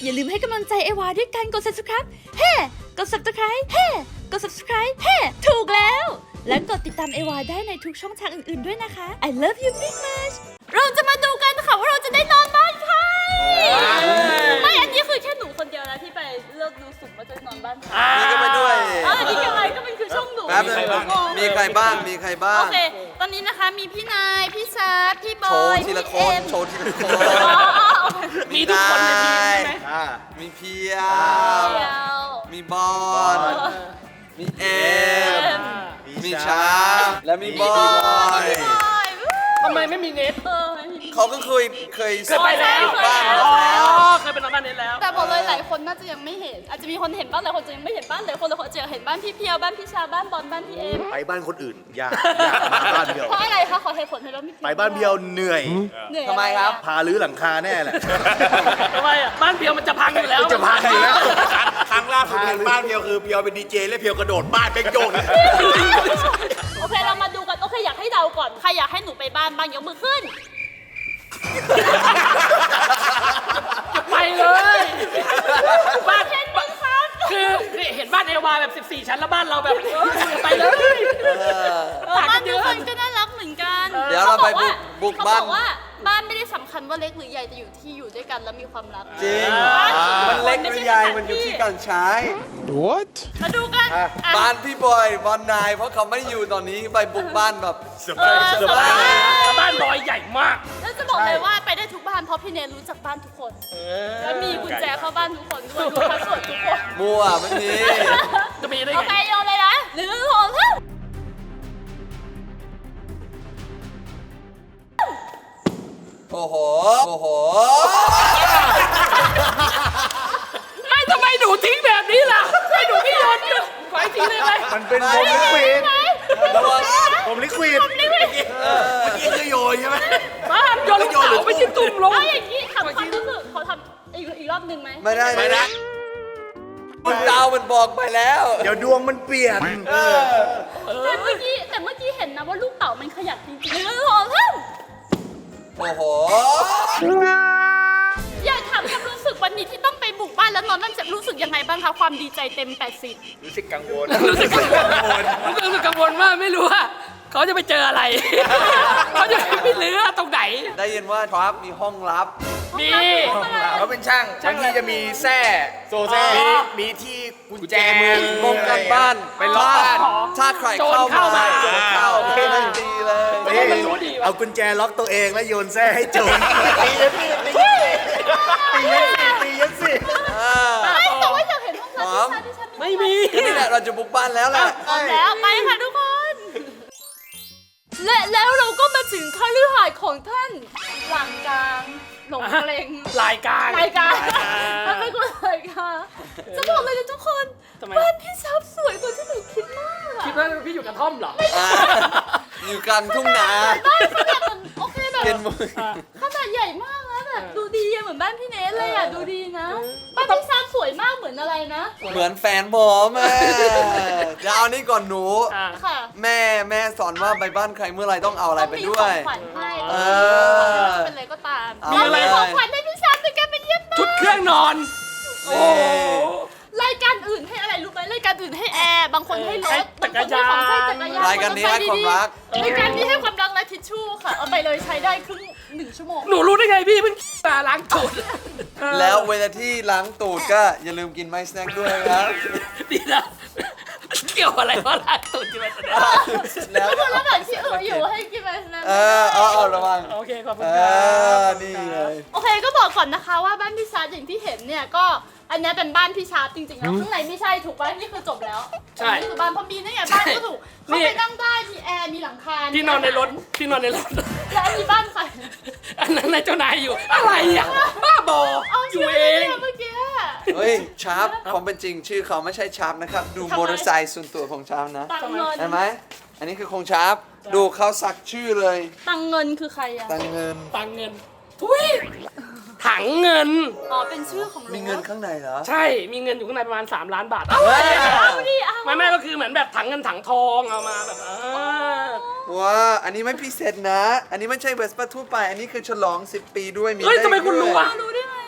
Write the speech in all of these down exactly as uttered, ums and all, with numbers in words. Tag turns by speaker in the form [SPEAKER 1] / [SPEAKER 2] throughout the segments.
[SPEAKER 1] อย่าลืมให้กำลังใจเอวาด้วยการกด ซับสไครบ์ เฮ้ กด ซับสไครบ์ เฮ้ กด ซับสไครบ์ เฮ้ ถูกแล้ว และกดติดตามเอวาได้ในทุกช่องทางอื่นๆด้วยนะคะ I love you big much เราจะมาดูกันค่ะว่าเราจะได้นอนบ้านใคร ไม่ อันนี้คือแค่หนูคนเดียวนะที่ไปเลือกดูสุ่มว่าจะนอนบ้านใคร
[SPEAKER 2] นี่ก็มาด้วย
[SPEAKER 1] อ่านี่ยังไงก็เป็นคือช่องหนู
[SPEAKER 2] แป๊บนึงมีใครบ้าง มีใครบ้าง
[SPEAKER 1] โอเค ตอนนี้นะคะมีพี่นาย พี่ซาร์พี่บ
[SPEAKER 2] โช
[SPEAKER 1] อ
[SPEAKER 2] ว์
[SPEAKER 1] ย
[SPEAKER 2] ทีละค
[SPEAKER 1] พี่
[SPEAKER 2] น
[SPEAKER 1] เอ็ม
[SPEAKER 2] โชว์ทีละคน
[SPEAKER 3] มีทุกคนในทีมใช่ไหม
[SPEAKER 2] มีเพีย
[SPEAKER 1] เดียว
[SPEAKER 2] มีบอล มีเอ็ม มีชาและมีบอย
[SPEAKER 1] พี่บอย
[SPEAKER 3] ทำไมไม่มีเน็ต
[SPEAKER 1] เออไม่มี
[SPEAKER 2] เขาก็เคยเคย
[SPEAKER 3] เคยไปแล้ว
[SPEAKER 2] บ้าง
[SPEAKER 3] อ๋อ
[SPEAKER 2] แล้ว
[SPEAKER 3] เคยเป็นน้องบ้านเน็ตแล้ว
[SPEAKER 1] แต่บอกเลยหลายคนน่าจะยังไม่เห็น อาจจะมีคนเห็นบ้างหลายคนจะยังไม่เห็นบ้านหลายคนหลายคนจะเห็นบ้านพี่เพียวบ้านพี่ชาบ้านบอลบ้านพี่เอ็ม
[SPEAKER 4] ไปบ้านคนอื่นยากยากมาบ้านเดียว
[SPEAKER 1] เพราะอะไรคะขอเหตุผลให้บ้านพี่เพียว
[SPEAKER 4] ไปบ้านเดียวเหนื่อย
[SPEAKER 1] เหนื่อย
[SPEAKER 2] ทำไมครับ
[SPEAKER 4] พาลื้อหลังคาแน่แหละ
[SPEAKER 3] ทำไมอ่ะบ้านเพียวมันจะพังอยู่แล้ว
[SPEAKER 4] จะพังอยู่แล้ว
[SPEAKER 5] ครั้งล่าสุดเห็นบ้านเพียวคือเพียวเป็นดีเจและเพียวกระโดดบ้านเป็นโยก
[SPEAKER 1] โอเคเรามาดูกันโอเคอยากให้เดาก่อนใครอยากให้หนูไปบ้านบ้างยกมือขึ้น
[SPEAKER 3] ไปเลย บ้าน
[SPEAKER 1] เห็นไหมคะ
[SPEAKER 3] คือนี่เห็นบ้านเอวาแบบสิบสี่ชั้นแล้วบ้านเราแบบเออไปเลย
[SPEAKER 1] เออบ้านทุกคนก็น่ารักเหมือนกัน
[SPEAKER 2] เดี๋ยวเราไปบุกบุก
[SPEAKER 1] เขา
[SPEAKER 2] บ้า
[SPEAKER 1] บ
[SPEAKER 2] น
[SPEAKER 1] อกว่าบ้านไม่ได้สำคัญว่าเล็กหรือใหญ่แต่อยู่ที่อยู่ด้วยกันแล้วมีความรัก
[SPEAKER 2] จริง
[SPEAKER 1] บ้าน
[SPEAKER 2] มันเล็กหรือใหญ่มันอยู่ที่การใช้
[SPEAKER 1] มาดูกันอ่ะ
[SPEAKER 2] บ้านพี่บอยบอลนาย เพราะเขาไม่อยู่ตอนนี้ไปบุกบ้านแบบ
[SPEAKER 1] เออสบาย
[SPEAKER 3] แล้วบ้านบอยใหญ่มาก
[SPEAKER 1] แล้วจะบอกเลยว่าไปได้ทุกบ้านเพราะพี่เนยรู้จักบ้านทุกคน แล้วมีกุญแจเข้าบ้านทุกคนด้วยรู้พาสเวิร์ดทุกคน
[SPEAKER 2] มั่วไม่มี
[SPEAKER 3] จะมีได้
[SPEAKER 1] โอ
[SPEAKER 3] ไง
[SPEAKER 1] เคโยนเลยนะหนึ่งสองสาม
[SPEAKER 2] โอ้โห โอ้โห
[SPEAKER 3] ไม่ทำไมหนูทิ้งแบบนี้ล่ะให้หนูไม่โยนหยุดไว้ทิ้งได้ไหม
[SPEAKER 4] มันเป็นผมลิควิด
[SPEAKER 2] ระวัง
[SPEAKER 4] ผมลิควิด
[SPEAKER 5] นี่คือโยนใช่ไหม
[SPEAKER 3] บ้านโยนลูกเต๋าไม่ใช่ตุ่มลง
[SPEAKER 1] เอาอย่างนี้ทำความรู้สึกขอทำอีกอีกรอบหนึ่งไหม
[SPEAKER 2] ไม่ได้
[SPEAKER 5] ไม่ได้
[SPEAKER 2] คุณดาวมันบอกไปแล้ว
[SPEAKER 4] เดี๋ยวดวงมันเปลี่ยน
[SPEAKER 1] แต่เมื่อกี้แต่เมื่อกี้เห็นนะว่าลูกเต๋ามันขยับจริงๆหนึ่งสองสาม
[SPEAKER 2] โอ้โห
[SPEAKER 1] อยากถามความรู้สึกวันนี้ที่ต้องไปบุกบ้านแล้วนอนนั่นจะรู้สึกยังไงบ้างคะความดีใจเต็มแปดสิบ
[SPEAKER 5] รู้สึกกังวล
[SPEAKER 3] รู้สึกกังวลรู้สึกกังวลมากไม่รู้ว่าเขาจะไปเจออะไร เขาจะไปเลือตรงไหน
[SPEAKER 2] ได้ยินว่าทรัพมีห้องลับ
[SPEAKER 3] มี
[SPEAKER 5] เขาเป็นช่างบางทีจะมีแส้โซแส้มีมีที่กุญแจมือ
[SPEAKER 2] ป้องกันบ้าน
[SPEAKER 5] เป็นล็อกบ้าน
[SPEAKER 2] ถ้าใคร
[SPEAKER 3] โจร
[SPEAKER 2] เข้า
[SPEAKER 3] เข้า
[SPEAKER 2] มา
[SPEAKER 3] มา
[SPEAKER 2] โจรเข้าแค่นั้นดีเลย
[SPEAKER 3] ทำไมมันรู้ดีวะ
[SPEAKER 4] เอากุญแจล็อกตัวเองแล้วโยนแส้ให้โจรตียันสิตียันสิตียันสิ
[SPEAKER 2] อ่า
[SPEAKER 1] ไม่แต่ว่าอยากเห็นห้องน้ำที่ชาที่ฉัน
[SPEAKER 3] ไม่มี
[SPEAKER 2] นี่แหละเราจะบุกบ้านแล้วแหละ
[SPEAKER 1] พร้อมแล้วไปค่ะทุกคน และแล้วเราก็มาถึงคฤหาสน์ของท่านหลังกลางหลงเกรง
[SPEAKER 3] รายการ
[SPEAKER 1] รายการ
[SPEAKER 3] ร
[SPEAKER 1] ท่านเป็นคนรายการจะบอกเลยนะทุกคน
[SPEAKER 3] ทำไม
[SPEAKER 1] บ้านพี่ซับสวยกว่าที่หนูคิดมากอะ
[SPEAKER 3] คิดว่าพี่อยู่กระท่อมเหรอ
[SPEAKER 2] อ่าอยู่กลางทุ่งนา
[SPEAKER 1] บ้านขนาดมันโอเคแบบ
[SPEAKER 2] เป็นมือ
[SPEAKER 1] ขนาดใหญ่มากนะแบบดูดีอะเหมือนบ้านพี่เนสเลยอะดูดีนะบ้านพี่ซับสวยมากเหมือนอะไรนะ
[SPEAKER 2] เหมือนแฟนผมอ่ะเดี๋ยวเอานี่ก่อนหนู
[SPEAKER 3] อ่า
[SPEAKER 1] ค่ะ
[SPEAKER 2] แม่แม่สอนว่าไปบ้านใครเมื่อไหรต้องเอาอะไรไปด้ว
[SPEAKER 1] ต้
[SPEAKER 2] ย
[SPEAKER 1] องมีของขวัญให้
[SPEAKER 2] เออ
[SPEAKER 1] เป็นอะไรก็ตาม
[SPEAKER 2] เอา
[SPEAKER 1] มีอะไร
[SPEAKER 2] เลย
[SPEAKER 1] ของขวัญให้พี่ซับในการไปเยี่ยมบ้าน
[SPEAKER 3] ชุดเครื่องนอน โอ้โห
[SPEAKER 1] รายการอื่นให้อะไรรู้ไหมรายการอื่นให้แอร์บางคนให้ร
[SPEAKER 3] ให้
[SPEAKER 1] ถ
[SPEAKER 3] จักรยาน
[SPEAKER 1] บางคนให้ของใช้จักรยาน
[SPEAKER 2] รายการนี้ให้ความรัก
[SPEAKER 1] รายการนี้ให้ความรักและทิชชู่ค่ะเอาไปเลยใช้ได้ครึ่งหนึ่งชั่วโมง
[SPEAKER 3] หนูรู้ได้ไงพี่เพิ่งมาล้างตูด
[SPEAKER 2] แล้วเวลาที่ล้างตูดก็อย่าลืมกินไม้สแน็คด้วยนะครับ
[SPEAKER 3] ดีนะเกี่ยวอะไรว่าล้างตูดจิมันเนี่ย
[SPEAKER 2] แล้ว
[SPEAKER 1] ก็คือระหว่างที่เอออยู่ให้กินไปนะ
[SPEAKER 2] เออเอาเอาระวัง
[SPEAKER 3] โอเคขอบคุณ
[SPEAKER 2] เอ
[SPEAKER 3] ครั
[SPEAKER 2] อบ นี่เลย
[SPEAKER 1] โอเคก็บอกก่อนนะคะว่าบ้านพี่ชาร์ตอย่างที่เห็นเนี่ยก็อันนี้เป็นบ้านพี่ชาร์ตจริงๆแล้วข้างในไม่ใช่ถูกป่ะนี่คือจบแล้ว
[SPEAKER 3] ใช่
[SPEAKER 1] นี่คือบ้านพอมีนี่ไงบ้านก็ถูกเขาไปนั่งได้มีแอร์มีหลังคา
[SPEAKER 3] ที่นอนในรถที่นอนในรถ
[SPEAKER 1] แล้วอันนี้บ้านใคร
[SPEAKER 3] อันนั้นนายเจ้านายอยู่ อะไรอ่ะ บ้าบอ
[SPEAKER 1] เอา
[SPEAKER 3] อ
[SPEAKER 1] ชื่
[SPEAKER 3] ยู่
[SPEAKER 1] อ
[SPEAKER 3] เอง
[SPEAKER 1] เนี่ยเมื่อกี้
[SPEAKER 2] เฮ้ยชาร์ปความเป็นจริงชื่อเขาไม่ใช่ชาร์ปนะครับ ดูมอเตอร์ไซค์ส่วนตัวของชาร์ปนะ
[SPEAKER 1] ตังเงิน
[SPEAKER 2] เห็นไหมอันนี้คือของชาร์ปดูเขาสักชื่อเลย
[SPEAKER 1] ตังเงินคือใครอะ
[SPEAKER 2] ตังเงิน
[SPEAKER 3] ตังเงิน ทุยถังเงิน
[SPEAKER 1] อ๋อเป็นชื่อของรถ
[SPEAKER 2] มีเงินข้างในเหรอ
[SPEAKER 3] ใช่ มีเงินอยู่ข้างในประมาณ สามล้านบาท
[SPEAKER 2] เฮ้ย
[SPEAKER 1] เอาดิเอา
[SPEAKER 3] ไม่ไม่ก็คือเหมือนแบบถังเงินถังทองเอามาแบบอ่า
[SPEAKER 2] ว้าอันนี้ไม่พิเศษนะ อันนี้ไม่ใช่เวสป้าทั่วไป อันนี้คือฉลองสิบปีด้วยมี
[SPEAKER 3] เฮ้ย
[SPEAKER 2] เลข
[SPEAKER 3] ทำไมคุณ
[SPEAKER 2] ด้
[SPEAKER 3] รู้
[SPEAKER 2] วย
[SPEAKER 3] อ่ะ
[SPEAKER 1] รู้ได้ไง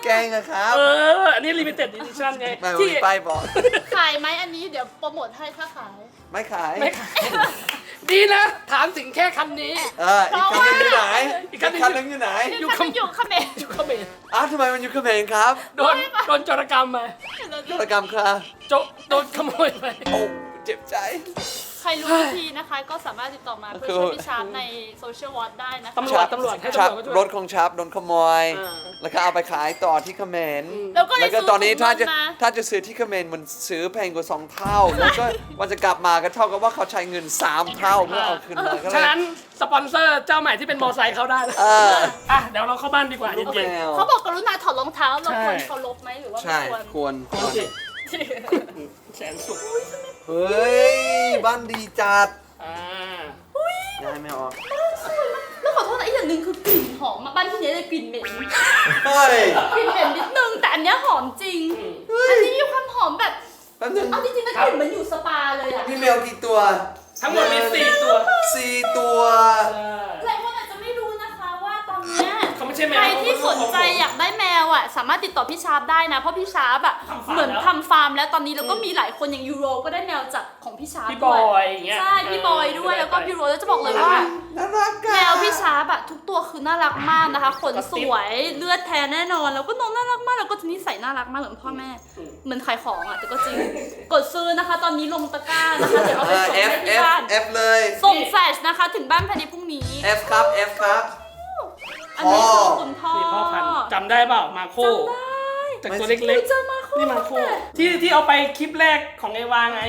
[SPEAKER 2] แกล้งอะครับ
[SPEAKER 3] เออ อันนี้ limited edition ไง
[SPEAKER 2] ไม่
[SPEAKER 3] ที่
[SPEAKER 2] มีป้ายบอก
[SPEAKER 1] ขายไหมอันนี้เดี๋ยวโปรโมทให้ถ้าขาย
[SPEAKER 2] ไม่ขาย
[SPEAKER 3] ไม่ขายดีนะ ถามถึงแค่คันนี้
[SPEAKER 2] เอออีกคันหนึงอยู่ไหน
[SPEAKER 3] อีกคันหนึ่ง
[SPEAKER 2] คันหนึงอยู่ไหน
[SPEAKER 3] อยู่
[SPEAKER 1] คันอยู่เขมร
[SPEAKER 3] อยู่เขมร
[SPEAKER 2] อ้าวทำไมมันอยู่เขมรครับ
[SPEAKER 3] โดนโดนโจรกรรมมา
[SPEAKER 2] โจรกรรมครับ
[SPEAKER 3] โจโดนขโมยไป
[SPEAKER 2] โอ้เจ็บใจ
[SPEAKER 1] ใครรู้วิธีนะคะ ก็สามารถติดต่อมาเพื่อช่วยพี่ชาร์ปในโซเชียลวอทได้นะคะ
[SPEAKER 3] ตำรวจตำรวจให้
[SPEAKER 2] ชับ
[SPEAKER 3] ตำรวจมาช่วย
[SPEAKER 2] รถของชับโดนขโมย
[SPEAKER 3] อ่า
[SPEAKER 2] แล้วก็เอาไปขายต่อที่เขมร
[SPEAKER 1] แล้วก็เลย
[SPEAKER 2] แล้วก็
[SPEAKER 1] ซื้อ
[SPEAKER 2] ตอนนี้ถ้าจะ
[SPEAKER 1] ถุงเงินมา
[SPEAKER 2] ถ้าจะซื้อที่เขมรมันซื้อแพงกว่าสองเท่า แล้วก็มันจะกลับมาก็เท่ากับว่าเขาใช้เงินสามเท่าเพื่อเอาคืนมาก็เล
[SPEAKER 3] ฉะ
[SPEAKER 2] ย
[SPEAKER 3] นั้นสปอนเซอร์เจ้าใหม่ที่เป็นมอไซค์เขาได้นะ
[SPEAKER 2] เออ
[SPEAKER 3] อ่ะเดี๋ยวเราเข้าบ้านดีกว่า
[SPEAKER 2] ลูก
[SPEAKER 3] เย็น
[SPEAKER 2] แมว
[SPEAKER 1] เขาบอกกรุณาถอดรองเท้าเรา
[SPEAKER 3] ใช่
[SPEAKER 1] ควรเคารพไหมหรือว่าไม่
[SPEAKER 2] ใช่
[SPEAKER 1] ควร
[SPEAKER 2] ควรค
[SPEAKER 3] ๆ
[SPEAKER 2] วร
[SPEAKER 3] สิแสนสุข
[SPEAKER 2] เฮ้ย บ้านดีจัด
[SPEAKER 3] อ่า
[SPEAKER 2] ย้ายไม่ออก
[SPEAKER 1] แล้วขอโทษนะอีกอย่างหนึ่งคือกลิ่นหอมมาบ้านที่นี้เลยกลิ่นเหม็น
[SPEAKER 2] เฮ้ย
[SPEAKER 1] กลิ่นเหม็นนิดนึงแต่อันเนี้ยหอมจริง อันนี้มีความหอมแบบ
[SPEAKER 2] แป๊บนึง
[SPEAKER 1] เอาจริงๆนะกลิ่นเหมือนอยู่สปาเลยอะ
[SPEAKER 2] พี่แมวกี่ตัว
[SPEAKER 3] ทั้งหมดมีสี่ตัว
[SPEAKER 2] สี่ตัว
[SPEAKER 1] หลายคนอาจจะไม่รู้นะคะว่าตอนเนี้ย
[SPEAKER 3] เขาไม่ใช่แมว
[SPEAKER 1] ใครที่สนใจอยากได้แมวอ่ะสามารถติดต่อพี่ชาร์ปได้นะเพราะพี่ชาร์ปอ่ะ
[SPEAKER 3] ทำฟาร์ม
[SPEAKER 1] เหมือน
[SPEAKER 3] แล้ว
[SPEAKER 1] ทำฟาร์มแล้วตอนนี้แล้วก็มีหลายคนอย่างยูโรก็ได้แมวจากของพี่ชาร์ป
[SPEAKER 3] พี่
[SPEAKER 1] ด้
[SPEAKER 3] บ
[SPEAKER 1] วย
[SPEAKER 3] อยอย่างเงี้ย
[SPEAKER 1] ใช่พี่บอยด้วยแล้วก็พี่โรแล้วจะบอกเลยว่า
[SPEAKER 2] น่ารัก
[SPEAKER 1] แมวพี่ชาร์ปอะทุกตัวคือน่ารักมากนะคะขนสวยเลือดแท้แน่นอนแล้วก็น้องน่ารักมากแล้วก็จะนิสัยน่ารักมากเหมือนพ่อแม่เหมือนขายของอะแต่ก็จริงกดซื้อนะคะ ตอนนี้ลงตะกร้านะคะเดี๋ยวเอาไปส่ง
[SPEAKER 2] เอฟ
[SPEAKER 1] ให้
[SPEAKER 2] เอ
[SPEAKER 1] ที่
[SPEAKER 2] ฟ
[SPEAKER 1] บ้าน
[SPEAKER 2] เอฟเลย
[SPEAKER 1] ส่งแฟลชนะคะถึงบ้านภายในพรุ่งนี้
[SPEAKER 2] F ครับ F ครับ
[SPEAKER 1] อันนี้คือคุณพ่อ
[SPEAKER 3] นี่พ่อพันธุ์จำได้เปล่ามาโค
[SPEAKER 1] จำได้
[SPEAKER 3] จากตัวเล็ก
[SPEAKER 1] เจอมาโค
[SPEAKER 3] ๆ นี่มาโคที่ที่เอาไปคลิปแรกของเอวาไง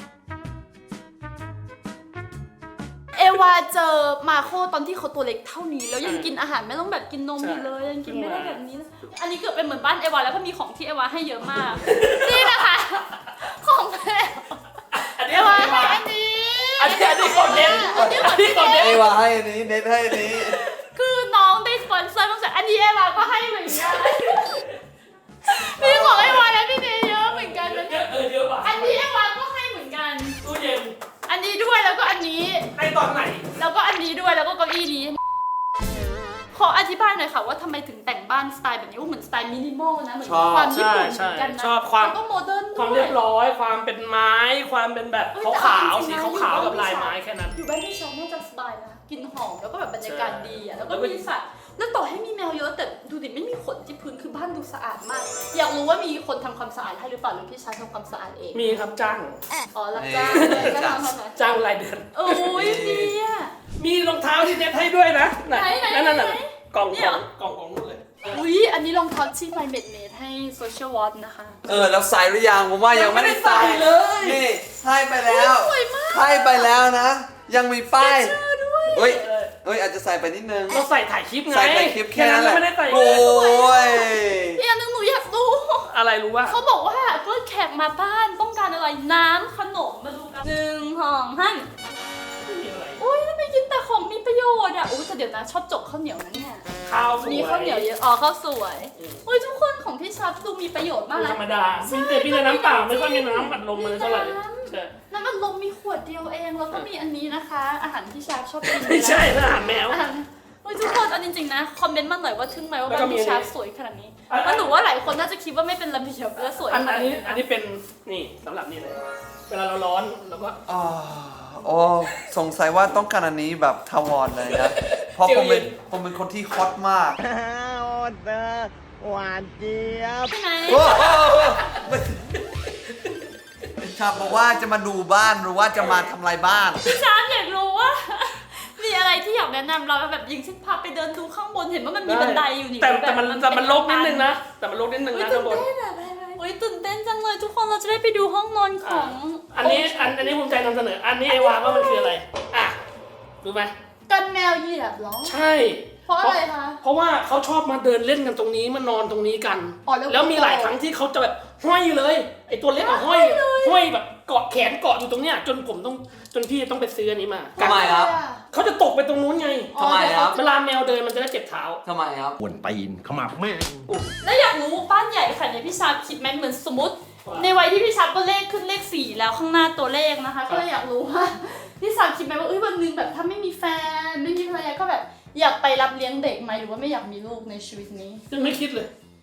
[SPEAKER 1] เอวาเจอมาโคตอนที่เขาตัวเล็กเท่านี้แล้วยังกินอาหารไม่ต้องแบบกินนมอยู่เลยยังกินไม่ได้แบบนี้เลยอันนี้เกือบเป็นเหมือนบ้านเอวาแล้วก็มีของที่เอวาให้เยอะมาก นี่นะคะของแม่
[SPEAKER 3] อันนี้
[SPEAKER 1] เอ
[SPEAKER 3] ของ
[SPEAKER 1] วา
[SPEAKER 3] เอ
[SPEAKER 1] ให้
[SPEAKER 3] วา
[SPEAKER 1] อันนี้
[SPEAKER 3] อันนี้อันนี้ของเน้น
[SPEAKER 1] อันนี้
[SPEAKER 3] อันนี้ของเน้น
[SPEAKER 2] เอวาให้อันนี้ เน็ตให้อันนี้
[SPEAKER 1] คือน้องได้สปอนเซอร์มาจากอันนี้เอวาก็ให้เหมือนกันมีของเอวาและพี่เนยเยอะเหมือนกันนะ
[SPEAKER 3] เยอะเออเยอะป่ะ
[SPEAKER 1] อันนี้เอวาก็ให้เหมือนกัน
[SPEAKER 3] ตู้เย็น
[SPEAKER 1] อันนี้ด้วยแล้วก็อันนี้
[SPEAKER 3] ในตอนไหน
[SPEAKER 1] แล้วก็อันนี้ด้วยแล้วก็เก้าอี้นี้ ขออธิบายหน่อยค่ะว่าทำไมถึงแต่งบ้านสไตล์แบบนี้ว่าเหมือนสไตล์มินิมอลนะเหมือนความญี่ปุ่นเหมือนกันนะ
[SPEAKER 3] ชอบความ
[SPEAKER 1] แล้วก็โมเดิร์นด้วย
[SPEAKER 3] ความเรียบร้อย ความเป็นไม้ ความเป็นแบบ
[SPEAKER 1] เอ้ย
[SPEAKER 3] ขาว
[SPEAKER 1] แต่
[SPEAKER 3] ขาว
[SPEAKER 1] เอจริงๆนะ
[SPEAKER 3] สีขาวๆกับลายไม้แค่นั้น
[SPEAKER 1] อยู่บ้านพี่ชายน่าจะสบายนะกลินหอมแล้วก็แบบบรรยากาศดีอ่ะแล้วก็
[SPEAKER 3] แล้วก็
[SPEAKER 1] มีสัตว์แล้วต่อให้มีแมวเยอะแต่ดูดิไม่มีขนที่พื้นคือบ้านดูสะอาดมาก อยากรู้ว่ามีคนทำความสะอาดให้หรือเปล่าหรือพี่ชายทำความสะอาดเอง
[SPEAKER 3] มีครับจ้าง
[SPEAKER 1] อ๋อรับจ้างเลยก็ทำทำไม
[SPEAKER 3] จ้างรายเดือน
[SPEAKER 1] โอ้ยดีอ่ะ
[SPEAKER 3] มีรองเท้าที่เน็ตให้ด้วยนะ
[SPEAKER 1] ไหนไหน
[SPEAKER 3] นั่นนั่นน่ะ
[SPEAKER 1] ไหน
[SPEAKER 3] กล่อง
[SPEAKER 1] เนี่
[SPEAKER 3] ข
[SPEAKER 1] ย
[SPEAKER 3] องกล่องของนู่นเลย
[SPEAKER 1] อุ้ยอันนี้รองเท้าที่ไมเมดเมดให้โซเชียลวอทนะคะ
[SPEAKER 2] เออ แล้วใส่หรือยังผมว่ายังไม่ได้ใส่
[SPEAKER 3] ยังไม่ได้ใส่เลย
[SPEAKER 2] นี่ให้ไปแล้ว
[SPEAKER 1] สวยมาก
[SPEAKER 2] ให้ไปแล้วนะ ยังมีป้าย
[SPEAKER 1] เจอด้วย
[SPEAKER 2] เฮ้ยเฮ้ยอาจจะใส่ไปนิดนึง
[SPEAKER 3] เราใส่ถ่ายคลิปไง
[SPEAKER 2] ใส่ในคลิปแค่นั้นแหละ
[SPEAKER 3] ไม่ได้ใส่
[SPEAKER 2] โอ้ย
[SPEAKER 1] อีกอันหนึงหนูอยากรู้
[SPEAKER 3] อะไรรู้ว่า
[SPEAKER 1] เขาบอกว่าเพื่อแขกมาบ้านต้องการอะไรน้ำขนมมาดูกันหนึ่งสองห้าโอ้ยทำไมกินแต่ของมีประโยชน์อ่ะโอ้ยแต่เดี๋ยวนะชอบจกข้าวเหนียวนะเนี่ย
[SPEAKER 3] ข้าวสวย
[SPEAKER 1] มีข้าวเหนียวเยอะอ๋อข้าวสวยโอ้ยทุกคนของพี่ชับดูมีประโยชน์มาก
[SPEAKER 3] ธ
[SPEAKER 1] นะ
[SPEAKER 3] รรมดามีแต่พี่แต่น้ำเปล่าไม่ค่อยมีน้ำอัดลมเลยเท่าไหร่ใช่
[SPEAKER 1] น้ำมันลมมีขวดเดียวเองแล้วก็มีอันนี้นะคะ อาหารที่ชับชอบกิน
[SPEAKER 3] ไม่ใช่นะอาหารแมว
[SPEAKER 1] อาหารโอ้ยทุกคนเอาจริงๆนะคอมเมนต์มาหน่อยว่าทึ่งไหมว่า
[SPEAKER 3] แล้ว
[SPEAKER 1] บ้า
[SPEAKER 3] ก็
[SPEAKER 1] น
[SPEAKER 3] มี
[SPEAKER 1] พี่ชับ
[SPEAKER 3] อันนี้
[SPEAKER 1] สวยขนาดนี้
[SPEAKER 3] อัน
[SPEAKER 1] แล้วหนูว่าหลายคนน่าจะคิดว่าไม่เป็นระเบียบและสวย
[SPEAKER 3] อัน
[SPEAKER 1] ขนา
[SPEAKER 3] อั
[SPEAKER 1] ด
[SPEAKER 3] นนี้
[SPEAKER 1] นี้
[SPEAKER 3] อันนี้เป็นนี่สำหรับนี่เลย เวลาเราร้อนเราก็
[SPEAKER 2] อ๋อโอ้สงสัยว่าต้องการอันนี้แบบทาวรเลยนะ เพราะผมเป็นผมเป็นคนที่ฮอตมาก
[SPEAKER 4] โอ้เธอหวานเจี๊ยบ
[SPEAKER 1] ใช่ไหม
[SPEAKER 2] โอ้โหชาบบอกว่าจะมาดูบ้านหรือว่าจะมาทำลายบ้าน
[SPEAKER 1] พี่ช้างอยากรู้ว่า มีอะไรที่อยากแนะนำเราแบบยิงเช่นพาไปเดินดูข้างบนเห็นว่ามันมีบันไดอยู่นี่
[SPEAKER 3] แต่แต่มัน
[SPEAKER 1] บบ
[SPEAKER 3] แต่มันลกนิดนึง
[SPEAKER 1] เป็
[SPEAKER 3] นะ แต่มันลกนิดนึง
[SPEAKER 1] อุ๊ย
[SPEAKER 3] นะ
[SPEAKER 1] ตื่
[SPEAKER 3] ข้าน งบน
[SPEAKER 1] เต้นอะไปไปโอ้ยตื่นเต้นจังเลยทุกคนเราจะได้ไปดูห้องนอนของ
[SPEAKER 3] อันนี้อันอันนี้ภูมิใจนำเสนอ อันนี้ไอวาว่ามันคืออะไร อ่ะรู้ไหม
[SPEAKER 1] กันแมวเหยียบเหรอ
[SPEAKER 3] ใช่
[SPEAKER 1] เพราะอะไรคะ
[SPEAKER 3] เพราะว่าเขาชอบมาเดินเล่นกันตรงนี้มานอนตรงนี้กัน
[SPEAKER 1] อ๋อแล้ว
[SPEAKER 3] แล้วมีหลายครั้งที่เขาจะแบบห้อยเลย ไอตัวเล็กอะห้อย ห้อยแบบเกาะแขนเกาะอยู่ตรงเนี้ยจนผมต้องจนพี่ต้องไปซื้ออันนี้มา
[SPEAKER 2] ทำไมครับ
[SPEAKER 3] เขาจะตกไปตรงนู้นไง
[SPEAKER 1] อ๋อ
[SPEAKER 2] ทำไมครับ
[SPEAKER 3] เวลาแมวเดินมันจะได้เจ็บเท้า
[SPEAKER 2] ทำไมครับ
[SPEAKER 4] ปวนตีนขมับแม่ง
[SPEAKER 1] แล้วอยากรู้บ้านใหญ่ขนาดนี้พี่ชาคิดไหมเหมือนสมมติ ในวัยที่พี่ชาก็เลขขึ้นเลขสี่แล้วข้างหน้าตัวเลขนะคะ ก็เลยอยากรู้ว่าพี่ชาคิดไหมว่าเอ้ยวันหนึงแบบถ้าไม่มีแฟนไม่มีภรรยาก็แบบอยากไปรับเลี้ยงเด็กไหมหรือว่าไม่อยากมีลูกในชีวิตนี้
[SPEAKER 3] ยังไม่คิดเลย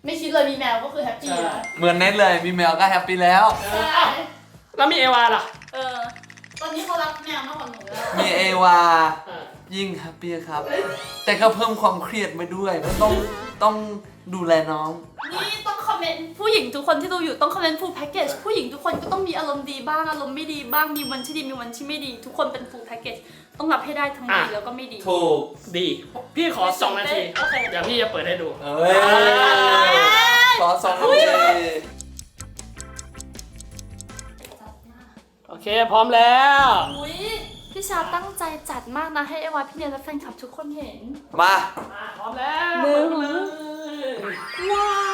[SPEAKER 1] ไม่คิดเลยมีแมวก็คือแฮปปี้แล้ว
[SPEAKER 2] เหมือนเน็ตเลยมีแมวก็แฮปปี้แล้ว
[SPEAKER 1] ใช่
[SPEAKER 3] แล้วมีเอวาล่ะ
[SPEAKER 1] เออตอนนี้เขารักแมวมากกว่าหนูแล้ว
[SPEAKER 2] มีเอวา
[SPEAKER 3] เออ
[SPEAKER 2] ยิ่งแฮปปี้ครับ แต่ก็เพิ่มความเครียดมาด้วยเพราะต้องต้องดูแลน้อง
[SPEAKER 1] นี่ต้องคอมเมนต์ผู้หญิงทุกคนที่ดูอยู่ต้องคอมเมนต์ full package ผู้หญิงทุกคนก็ต้องมีอารมณ์ดีบ้างอารมณ์ไม่ดีบ้างมีวันที่ดีมีวันที่ไม่ดี ทุกคนเป็น full package ต้องรับให้ได้ทั้งดีแล้วก็ไม่ดี
[SPEAKER 2] ถูก
[SPEAKER 3] ดี พี่ขอสองนาที
[SPEAKER 1] โอเค
[SPEAKER 3] เดี๋ยวพี่จะเปิดให้ดู
[SPEAKER 2] เอ้ยขอสองนาที
[SPEAKER 3] โอเคพร้อมแล้ว
[SPEAKER 1] อุ้ยพี่ชาตั้งใจจัดมากนะให้เอวาพี่เนียนและแฟนคลับทุกคนเห็น
[SPEAKER 2] มา
[SPEAKER 3] อ่ะพร้อมแล้ว
[SPEAKER 1] หนึ่ง
[SPEAKER 3] เปิดเลย
[SPEAKER 1] ว้าว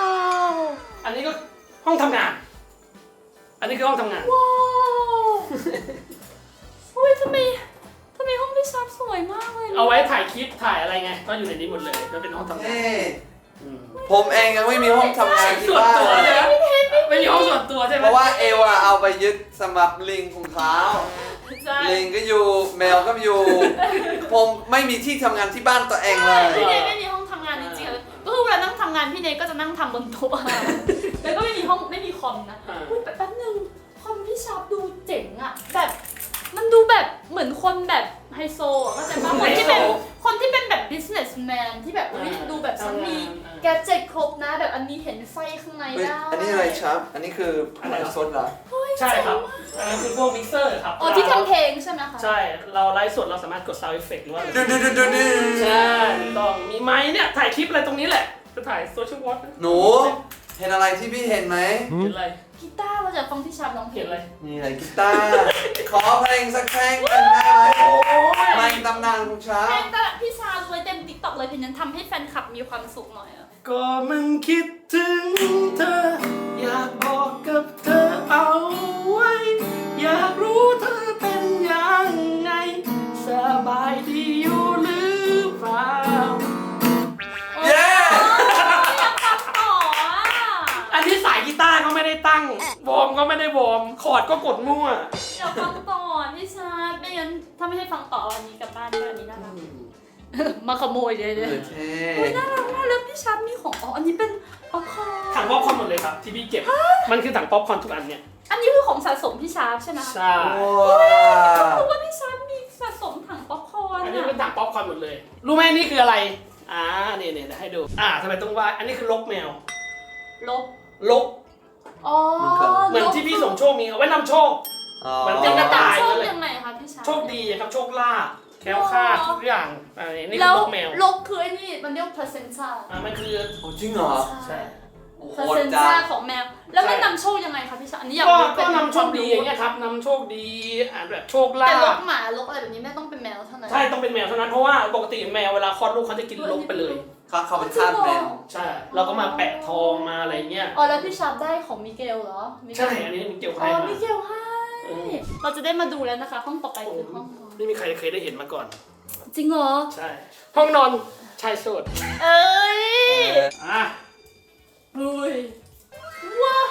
[SPEAKER 3] อันนี้ก็ห้องทำงาน อันนี้คือห้องทำงาน
[SPEAKER 1] ว้าวอุ้ยทำไมทำไมห้องพี่ชาสวยมากเลยนะ
[SPEAKER 3] เอาไว้ถ่ายคลิปถ่ายอะไรไง ก็อยู่ในนี้หมดเลยก็เป็นห้องทำงาน
[SPEAKER 2] เอ้
[SPEAKER 3] อืม
[SPEAKER 2] ผมเองยังไม่มีห้องทำงานที่
[SPEAKER 3] ส่วน
[SPEAKER 2] บ้าน
[SPEAKER 3] ตัว
[SPEAKER 2] เล
[SPEAKER 3] ใช่
[SPEAKER 2] ย
[SPEAKER 3] ไหมไม่มีห้องส่วนตัวใช่ไหม
[SPEAKER 2] เพราะว่าเอวาเอาไปยึดสำหรับลิงของเขา
[SPEAKER 1] ใช่
[SPEAKER 2] ลิงก็อยู่แมวก็อยู่ ผมไม่มีที่ทำงานที่บ้านตัวเองเลย
[SPEAKER 1] พี่เนยไม่มีห้องทำงานจริงๆเลยก็คือเวลานั่งทำงานพี่เนยก็จะนั่งทำบนโต๊ะแล้วก็ไม่มีห้องไม่มีคอมนะอุ๊ยแป๊บนึงคอมพี่ชาร์ปดูเจ๋งอะแบบมันดูแบบเหมือนคนแบบไฮโซอะเข้าใจปะคนที่เป็นคนที่เป็นแบบ businessman ที่แบบอุ๊ยดูแบบฉันมีแกเจ็ตครบนะแบบอันนี้เห็นไฟข้างใน
[SPEAKER 2] เฮ้ย
[SPEAKER 1] ได้
[SPEAKER 2] อันนี้อะไรครับ อันนี้คืออะไรสดเหรอ
[SPEAKER 3] ใช่ครับอันนั้นคือพวกมิกเซอร์ครับ
[SPEAKER 1] อ๋อที่ทำเพลงใช่ไหมคะ
[SPEAKER 3] ใช่ เราไลฟ์สดเราสามารถกด sound effect หรือว่า
[SPEAKER 2] ดูดูดูดูดู
[SPEAKER 3] ใช่ถูกต้องมีไม้เนี่ยถ่ายคลิปอะไรตรงนี้แหละ จะถ่ายโซเชียลวอท
[SPEAKER 2] หนู เห็นอะไรที่พี่เห็นไหม
[SPEAKER 3] เห็นอะไร
[SPEAKER 1] กีตาร์เราจะฟังพี่ชาร์ปร้องเพล
[SPEAKER 3] เห็
[SPEAKER 1] ง
[SPEAKER 3] นอะไร
[SPEAKER 2] นี่อะไรกีตาร์ ขอเพลงสักเพลงกันได้ไหมเพลงตำนานของฉั
[SPEAKER 1] เพล
[SPEAKER 2] น
[SPEAKER 1] งแต่พี่ชาร์ปเลยเต็มติ๊กต็อกเลยเพลงนั้นทำให้แฟนคลับมีความสุขหน่อยอะ
[SPEAKER 3] ก็มันคิดถึงเธอ อยากบอกกับเธอเอาไว้ อยากรู้เธอเป็นยังไง สบายดีอยู่หรือเปล่า
[SPEAKER 2] เย้
[SPEAKER 1] ต่ออ่ะ
[SPEAKER 3] อันนี้สายกีตาร์ก็ไม่ได้ตั้ง วอร์มก็ไม่ได้วอร์ม คอร์ดก็กดมั่ว
[SPEAKER 1] อยากฟังต่อพี่ชาร์ปไม่งั้นถ้าไม่ให้ฟังต่อวันนี้กลับบ้านก็อันนี้น่ารักมาขโมยเลยเลย
[SPEAKER 2] เท่
[SPEAKER 1] โอ้ยน่ารักมากแล้วพี่ชาร์ปมีของอ๋ออันนี้เป็นป๊อปคอร์น
[SPEAKER 3] ถังป๊อปคอร์นหมดเลยครับที่พี่เก็บ มันคือถังป๊อปคอร์นทุกอันเนี่ย
[SPEAKER 1] อันนี้คือของสะสมพี่ชาร์ปใช่ไหมคะ
[SPEAKER 3] ใช่
[SPEAKER 2] ว้าว
[SPEAKER 1] เพราะว่าพี่ชาร์ปมีสะสมถังป๊อปคอร์น
[SPEAKER 3] อันนี้
[SPEAKER 1] อะ
[SPEAKER 3] เป็นถังป๊อปคอร์นหมดเลย รู้ไหมนี่คืออะไร อ่าเนี่ยเนี่ยเดี๋ยวให้ดู อ่าทำไมต้องว่า อันนี้คือลกแมว
[SPEAKER 1] ลบ
[SPEAKER 3] ลก
[SPEAKER 1] อ๋อ
[SPEAKER 3] เหมือนที่พี่สมโชคมีเอาไว้นำโชค
[SPEAKER 2] อ๋อ
[SPEAKER 3] มันเป็นกระต่าย
[SPEAKER 1] โชคยังไงคะพี่ชาร์ป
[SPEAKER 3] โชคดีครับ โชคลาภแคล้วคลาดทุกอย่างอันนี้นี่
[SPEAKER 1] แล้
[SPEAKER 3] คือ
[SPEAKER 1] ว
[SPEAKER 3] ลกแมว
[SPEAKER 1] ลบคือไอ้นี่มันเรียก placenta
[SPEAKER 3] อ่ามันคือ
[SPEAKER 2] โอ้จริงเหรอ
[SPEAKER 3] ใช่
[SPEAKER 2] โอ้โห
[SPEAKER 1] placenta
[SPEAKER 2] จ้า
[SPEAKER 1] ของแมว แล้วมันนำโชคยังไงคะพี่ชาร์ปอันนี้อยาก
[SPEAKER 3] ก็
[SPEAKER 1] รู้
[SPEAKER 3] ก็
[SPEAKER 1] เป็น
[SPEAKER 3] นำโชคดีอย่างเงี้ยครับนำโชคดีอ่าแบบโชคลา
[SPEAKER 1] แต่ล
[SPEAKER 3] ภ
[SPEAKER 1] กหมาลกอะไรแบบนี้ไม่ต้องเป็นแมวเท่านั้น
[SPEAKER 3] ใช่ต้องเป็นแมวเท่านั้นเพราะว่าปกติแมวเวลาคลอดลูกเขาจะกินลกไปเลย
[SPEAKER 2] เขาเขาเป็นทาสแมว
[SPEAKER 3] ใช่เราก็มาแปะทองมาอะไรเงี้ย
[SPEAKER 1] อ๋อแล้วพี่ชาร์ปได้ของมิเกลเหรอมิเกล
[SPEAKER 3] ใช่อันนี้มันเกี่ยวกับ
[SPEAKER 1] อ๋
[SPEAKER 3] ใคร
[SPEAKER 1] อ
[SPEAKER 3] มา
[SPEAKER 1] มิเกลให้
[SPEAKER 3] เออ
[SPEAKER 1] เราจะได้มาดูแล้วนะคะ ห้องต่อไปคือห้องนอน
[SPEAKER 3] ไม่มีใครเคยได้เห็นมาก่อน
[SPEAKER 1] จริงเหรอ
[SPEAKER 3] ใช่ ห้องนอนชายโสด
[SPEAKER 1] เอ้ย
[SPEAKER 3] อ่ะ
[SPEAKER 1] อุ้ยว้าว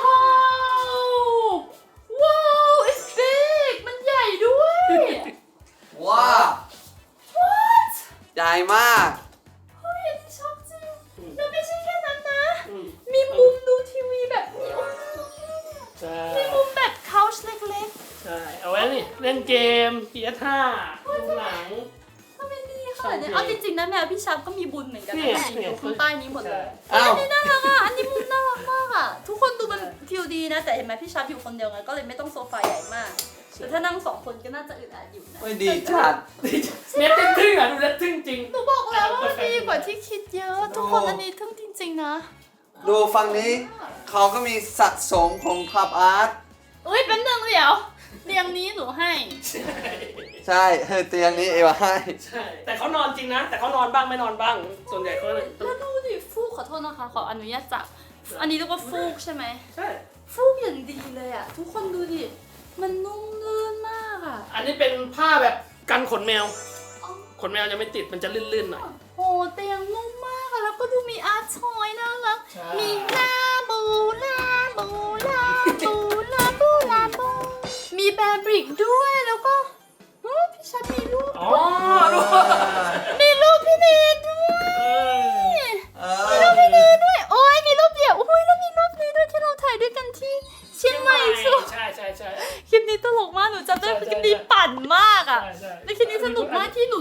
[SPEAKER 1] ว้าว it's big มันใหญ่ด้วย
[SPEAKER 2] ว้าว
[SPEAKER 1] what
[SPEAKER 2] ใหญ่มาก
[SPEAKER 1] เฮ้ยอันนี้ชอบจริงแล้วไม่ใช่แค่นั้นนะ
[SPEAKER 3] อืม
[SPEAKER 1] มีมุมดูทีวีแบบนี้โอ้ย
[SPEAKER 3] ใช่
[SPEAKER 1] มีมุมแบบ couch เล็ก
[SPEAKER 3] ใช่เอาไว้นี่เล่นเกม พี เอส ห้าดูหนัง
[SPEAKER 1] ๆทำไมดีขนาดนี้เอาจริงๆนะแมวพี่ชาร์ปก็มีบุญเหมือนกัน
[SPEAKER 3] เนี่
[SPEAKER 1] นะ
[SPEAKER 3] ย
[SPEAKER 1] อยู่ข้างใต้นี้หมดเลย
[SPEAKER 2] อ้าว
[SPEAKER 1] อันนี้น่ารักอ่ะ อันนี้มุมน่ารักมากอ่ะ ทุกคนดูมันฟิลดีนะ แต่เห็นไหมพี่ชาร์ปอยู่คนเดียวไงก็เลยไม่ต้องโซฟาใหญ่มาก แต่ถ้านั่งสองคนก็น่าจะอึดอัดอยู่นะ
[SPEAKER 2] ไม่ดีจัด
[SPEAKER 3] เน็ตทึ่งๆอ่ะดูเน็ตทึ่งจริง
[SPEAKER 1] หนูบอกแล้วว่ามันดีกว่าที่คิดเยอะ ทุกคนอันนี้ทึ่งจริงๆนะ
[SPEAKER 2] ดูฝั่งนี้ เขาก็มีสะสมของคลับอาร์ต
[SPEAKER 1] อุ้ยแป๊บนึงเดี๋ยวเตียงนี้หนูให้
[SPEAKER 2] ใช่เฮ้ยเตียงนี้เอวาให้
[SPEAKER 3] ใช่ แต่เขานอนจริงนะ แต่เขานอนบ้างไม่นอนบ้าง ส่วนใหญ่เขาเลย
[SPEAKER 1] แล้วดูดิฟูกขอโทษนะคะ ขออนุญาตจับ อันนี้เรียกว่าฟูกใช่ไหม
[SPEAKER 3] ใช่
[SPEAKER 1] ฟูกอย่างดีเลยอ่ะ ทุกคนดูดิ มันนุ่มลื่นมากอ่ะ
[SPEAKER 3] อันนี้เป็นผ้าแบบกันขนแมว
[SPEAKER 1] อ๋อ
[SPEAKER 3] ขนแมวจะไม่ติดมันจะลื่นๆหน่อย
[SPEAKER 1] โอ้เตียงนุ่มมากอะแล้วก็ดูมีอาร์ตชอยน่ารัก
[SPEAKER 3] ใช่
[SPEAKER 1] มีลาบูลาบูลาบูลาบูลาบูมีแบร์บริกด้วยแล้วก็เฮ้ยพี่ชัดมีรูป
[SPEAKER 3] อ๋อดู
[SPEAKER 1] มีรูปพี่เนทด้วย
[SPEAKER 3] เออ
[SPEAKER 2] เออ
[SPEAKER 1] มีรูปพี่เนทด้วยโอ้ยมีรูป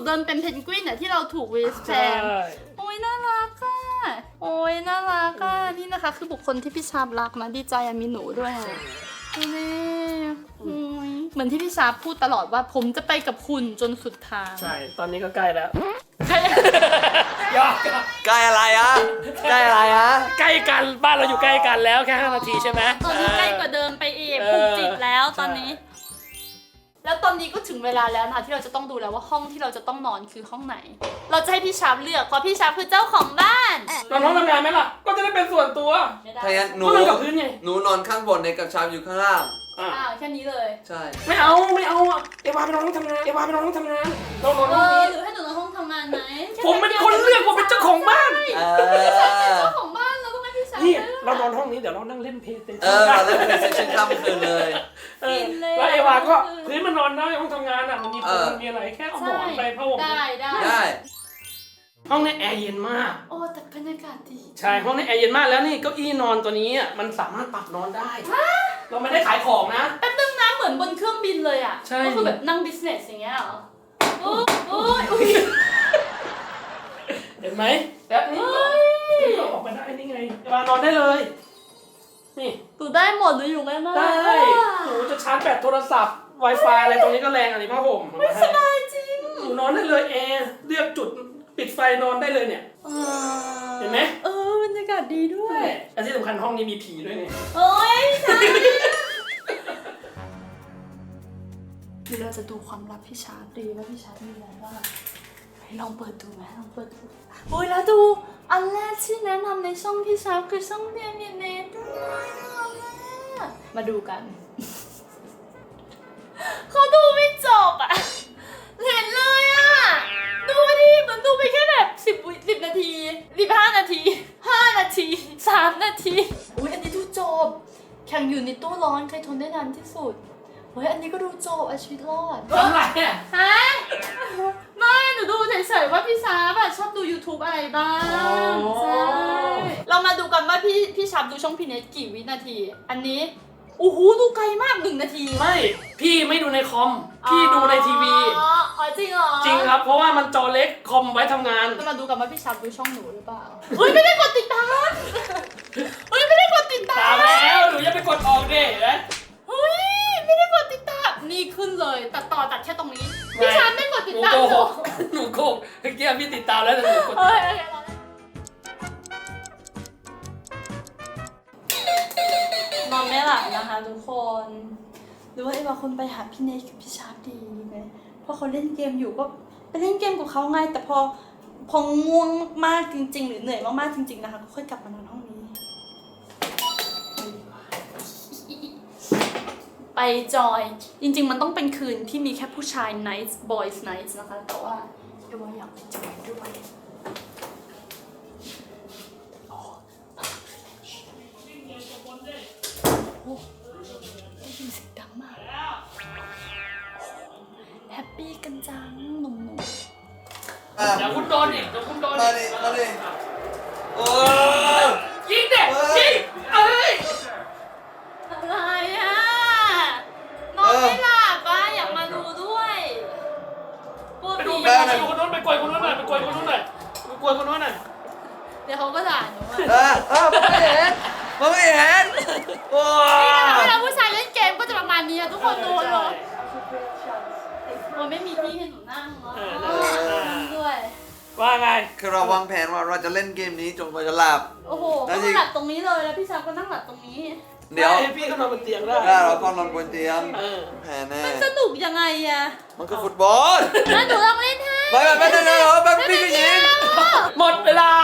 [SPEAKER 1] เดินเป็นเพนกวินอะที่เราถูกวีสแพนโอ้ยน่ารักอะโอ้ยน่ารักอะนี่นะคะ คือบุคคลที่พี่ชาบรักนะดีใจอะมีหนูด้วยนี่โอ้ยเหมือนที่พี่ชาบพูดตลอดว่าผมจะไปกับคุณจนสุดทาง
[SPEAKER 3] ใช่ตอนนี้ก็ใกล้แล้ว
[SPEAKER 1] ใช่
[SPEAKER 3] ยอก
[SPEAKER 2] ใกล้อะไรอะใกล้อะไรอะ
[SPEAKER 3] ใกล้กันบ้านเราอยู่ใกล้กันแล้วแค่ห้านาทีใช่ไหม
[SPEAKER 1] ตอนนี้ใกล้กว่าเดิมไปอีก
[SPEAKER 3] เออ
[SPEAKER 1] ผูกจิตแล้วตอนนี้ แล้วตอนนี้ก็ถึงเวลาแล้วนะคะที่เราจะต้องดูแล้วว่าห้องที่เราจะต้องนอนคือห้องไหน เราจะให้พี่ชาบเลือกเพราะพี่ชาบคือเจ้าของบ้าน
[SPEAKER 3] นอนห้องทำงานไหมล่ะก็จะได้เป็นส่วนตัว
[SPEAKER 1] ไม่ได้
[SPEAKER 2] ถ้างั้นหนู
[SPEAKER 3] ก็นอนกับพื้นไง
[SPEAKER 2] หนูนอนข้างบนในกับชามอยู่ข้างล่าง
[SPEAKER 3] อ่ะ
[SPEAKER 1] อ้าวแค่นี้เลย
[SPEAKER 2] ใช่
[SPEAKER 3] ไม่เอาไม่เอาอ่ะเอวาไปนอนห้องทำงานเอวาไปนอนห้องทำงานเรานอน
[SPEAKER 1] เอ
[SPEAKER 3] ห้อง
[SPEAKER 1] อ
[SPEAKER 3] นี้
[SPEAKER 1] หรือให้หนูนอนห้องทำงานไหม
[SPEAKER 3] ผมเป็นคนเลือกว่าเป็นเจ้าของบ้าน
[SPEAKER 2] เอ
[SPEAKER 1] เป็น
[SPEAKER 2] อ
[SPEAKER 1] เจ้าของบ้านเราต้องให้พี่ชาบ
[SPEAKER 3] นี่
[SPEAKER 1] ลือก
[SPEAKER 3] เรานอนห้องนี้เดี๋ยวเรานั่งเล่นเพลย์สเต
[SPEAKER 2] เอ
[SPEAKER 3] ชั่น
[SPEAKER 2] อเราเล่นเพลย์สเตชันข้ามคืนเลย
[SPEAKER 3] เออแล้วเอวาก็พื้นมันนอนได้ห้องทำงานอ่ะมันมี
[SPEAKER 2] เอ
[SPEAKER 3] พื้
[SPEAKER 2] อ
[SPEAKER 3] นมีอะไรแค่เอาหมอนไปผ้าห่ม
[SPEAKER 1] ได้ได้
[SPEAKER 2] ได้
[SPEAKER 3] ห้องนี้แอร์เย็นมาก
[SPEAKER 1] โอ้แต่บรรยากาศดี
[SPEAKER 3] ใช่ห้องนี้แอร์เย็นมากแล้วนี่เก้าอี้นอนตัวนี้อ่ะมันสามารถปรับนอนได้ เราไม่ได้ขายของนะ
[SPEAKER 1] แป๊บนึงนะเหมือนบนเครื่องบินเลยอ่ะ
[SPEAKER 3] ใช่
[SPEAKER 1] ก็คือแบบนั่งบิสเนสอย่างเงี้ยเหรอโอ้ยโอ้ยอุ๊ย
[SPEAKER 3] เห็นไหมแล้วนี่เราออกมาได้นี่ไงเอวานอนได้เลย นี่
[SPEAKER 1] หนูได้หมดหนูอยู่ง่ายมาก
[SPEAKER 3] ได้หนูจะชาร์จแบตโทรศัพท์ Wi-Fi อะไรตรงนี้ก็แรงอันนี้ผ้าห่มเอามาให้
[SPEAKER 1] สบายจริง
[SPEAKER 3] หนูนอนได้เลยแอร์เลือกจุดปิดไฟนอนได้เลยเนี่ย เห็นไหม
[SPEAKER 1] เออบรรยากาศดีด้วย
[SPEAKER 3] และที่สำคัญห้องนี้มีผีด้วยเนี่ย
[SPEAKER 1] โอ้ยใช่คือเราจะดูความลับพี่ชาร์ปดีว่าพี่ชาร์ปมีอะไรบ้างให้ลองเปิดดูไหมลองเปิดดูโอ้ยแล้วดูอันแรกที่แนะนำในช่องพี่ชาร์ปคือช่องเรียนเรียนเนทด้วยนะมาดูกัน เขาดูไม่จบอ่ะเห็นเลยอ่ะดูดิมันดูไปแค่แบบสิบวิสิบนาทีสิบห้านาทีห้านาทีสามนาทีอุ้ยอันนี้ดูจบแข่งอยู่ในตู้ร้อนใครทนได้นานที่สุดเฮ้ยอันนี้ก็ดูจบอาชีวิตรอด
[SPEAKER 3] ทำไรอ่ะ
[SPEAKER 1] ฮะไม่หนูดูเฉยๆว่าพี่ชาร์ปอะชอบดู YouTube อะไรบ้างใช่เรามาดูกันว่าพี่พี่ชาร์ปดูช่องพีเนสกี่วินาที อันนี้โอ้โหดูไกลมากหนึ่งนาที
[SPEAKER 3] ไม่พี่ไม่ดูในคอมพี่ดูในทีวี
[SPEAKER 1] อ๋ออ๋อจริงเหรอ
[SPEAKER 3] จริงครับเพราะว่ามันจอเล็กคอมไว้ทำงาน
[SPEAKER 1] จะมาดูกันว่าพี่ชาร์ปดูช่องหนูหรือเปล่าเฮ้ยไม่ได้กดติดตามเฮ้ยไม่ได้กดติดตา
[SPEAKER 3] ตาม มแล้วหนูอย่าไปกดออกดิเห็นไหม
[SPEAKER 1] เฮ้ยไม่ได้กดติดตามนี่ขึ้นเลยตัดต่อตัดแค่ตรงนี้พี่ชาร์ปไม่กดติด
[SPEAKER 3] หนู
[SPEAKER 1] ตาม
[SPEAKER 3] โก
[SPEAKER 1] ห
[SPEAKER 3] ห
[SPEAKER 1] นู
[SPEAKER 3] กหนูโกหกเมื่อกี้พี่ติดตามแล้วแต่หนูกด
[SPEAKER 1] เฮ้ยโอเครอได้นอนไม่หลับนะคะทุกคนหรือว่าไอ้บางคนไปหาพี่เนทกับพี่ชาร์ปดีไหมเพราะเขาเล่นเกมอยู่ก็ไปเล่นเกมกับเขาไงแต่พอพอง่วงมากจริงๆหรือเหนื่อยมากๆจริงๆนะคะก็ค่อยกลับมานอนห้องนี้ไปจอยจริงๆมันต้องเป็นคืนที่มีแค่ผู้ชาย nice boys nice นะคะแต่ว่าเดี๋ยวว่าอยากไปจอยด้วยโอ้ได้ยินเสียงดังมากแฮปปี้กันจังหนุ่ม
[SPEAKER 2] อ่ะ
[SPEAKER 3] เดี๋ยวคุณโดนอีกเดี๋ยวคุณโดน
[SPEAKER 2] มา
[SPEAKER 3] อี
[SPEAKER 2] ดิ
[SPEAKER 3] ก
[SPEAKER 2] มาดิโอ้
[SPEAKER 3] ยิงเด็กยิงเอ้ย
[SPEAKER 1] ๆอะไรอ่ะนอนไม่หลับอ่ะอยากมาดูด้วยกลัว
[SPEAKER 3] ไปดู
[SPEAKER 1] ผี
[SPEAKER 3] ไปดูคนนู้นไปกวยคนนู้นหน่อยไปกวยคนนู้นหน่อยไปกวยคนนู้นหน่อย
[SPEAKER 1] เดี๋ยวเขาก็ด่าหนูอ่ะ
[SPEAKER 2] เออเออผมไม่เห็นผมไม่เห็นโอ้
[SPEAKER 1] เวลาผู้ชายเล่นเกมก็จะประมาณนี้อะทุกคนดูเหรอมันไม่มีที่ให้หนูนั่งเนาะนั่งด้วย
[SPEAKER 3] ว่าไง
[SPEAKER 2] คือเราวางแผนว่าเราจะเล่นเกมนี้จนกว่าจะหลับ
[SPEAKER 1] โอ้โห
[SPEAKER 2] นั่
[SPEAKER 1] ก็
[SPEAKER 2] นสิ
[SPEAKER 1] หลับตรงนี้เลยแล้วพี่ชายก็นั่งหลับตรงนี้
[SPEAKER 2] เดี๋ยว
[SPEAKER 3] ให้พี่เขานอนบนเตียงได้
[SPEAKER 2] ได้เราก็นอนบนเตียง
[SPEAKER 3] เออ
[SPEAKER 2] แผนแน่
[SPEAKER 1] สนุกยังไงอะ
[SPEAKER 2] มันคือฟุตบอล
[SPEAKER 1] งั้นหนูลองเล่นให้
[SPEAKER 2] ไปไปไปเดี๋ยวเดี๋ยวแบบพี่ก็ยิง
[SPEAKER 3] หมดเวลา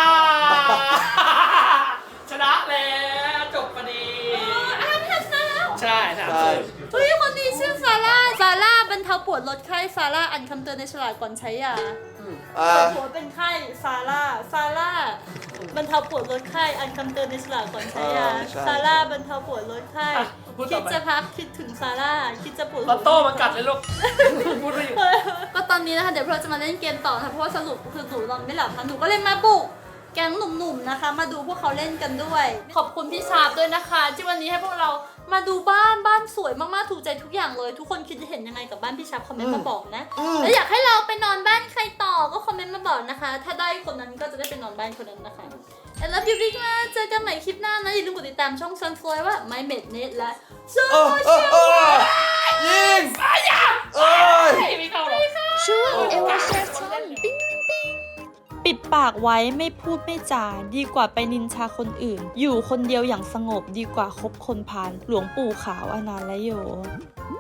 [SPEAKER 3] ชนะแล้วจบพอดี
[SPEAKER 1] อ่านทันแล้ว
[SPEAKER 3] ใช่สาม
[SPEAKER 2] ใช่
[SPEAKER 3] ศูนย์
[SPEAKER 1] เฮ้ยคนนี้ชื่อซาร่า ซาร่าบรรเทาปวดลดไข้ ซาร่าอ่านคำเตือนในฉลากก่อนใช้ยา
[SPEAKER 2] อ่า
[SPEAKER 1] ปวดหัวเป็นไข้ ซาร่า ซาร่าบรรเทาปวดลดไข้อ่านคำเตือนในฉลากก่อนใช้ยา ซาร่าบรรเทาปวดลดไข้ คิดจะพักคิดถึงซาร่า คิดจะปวดหัว
[SPEAKER 3] ลอตโต้มากัดเลยลูก พูดไม่อยู่
[SPEAKER 1] ก็ตอนนี้นะคะเดี๋ยวเราจะมาเล่นเกมต่อนะคะเพราะว่าสรุปคือหนูนอนไม่หลับนะหนูก็เลยมาปลุกแก๊งหนุ่มๆนะคะ มาดูพวกเขาเล่นกันด้วย ขอบคุณพี่ชาร์ปด้วยนะคะ ที่วันนี้ให้พวกเรามาดูบ้านบ้านสวยมากๆถูกใจทุกอย่างเลย ทุกคนคิดเห็นยังไงกับบ้านพี่ชาร์ปคอมเมนต์มาบอกนะแล้วอยากให้เราไปนอนบ้านใครต่อก็คอมเมนต์มาบอกนะคะ ถ้าได้คนนั้นก็จะได้ไปนอนบ้านคนนั้นนะคะ I love you big มากเจอกันใหม่คลิปหน้านะอย่าลืมกดติดตามช่อง Sunflower ว่า My Mate Net และ
[SPEAKER 2] เออเออเออยิงเอ้ย
[SPEAKER 1] ช่วงเอวาแชร์ช่องปิ๊งปิ๊งปิดปากไว้ไม่พูดไม่จาดีกว่าไปนินชาคนอื่น อยู่คนเดียวอย่างสงบดีกว่าคบคนพาลหลวงปู่ขาวอนันต์และโย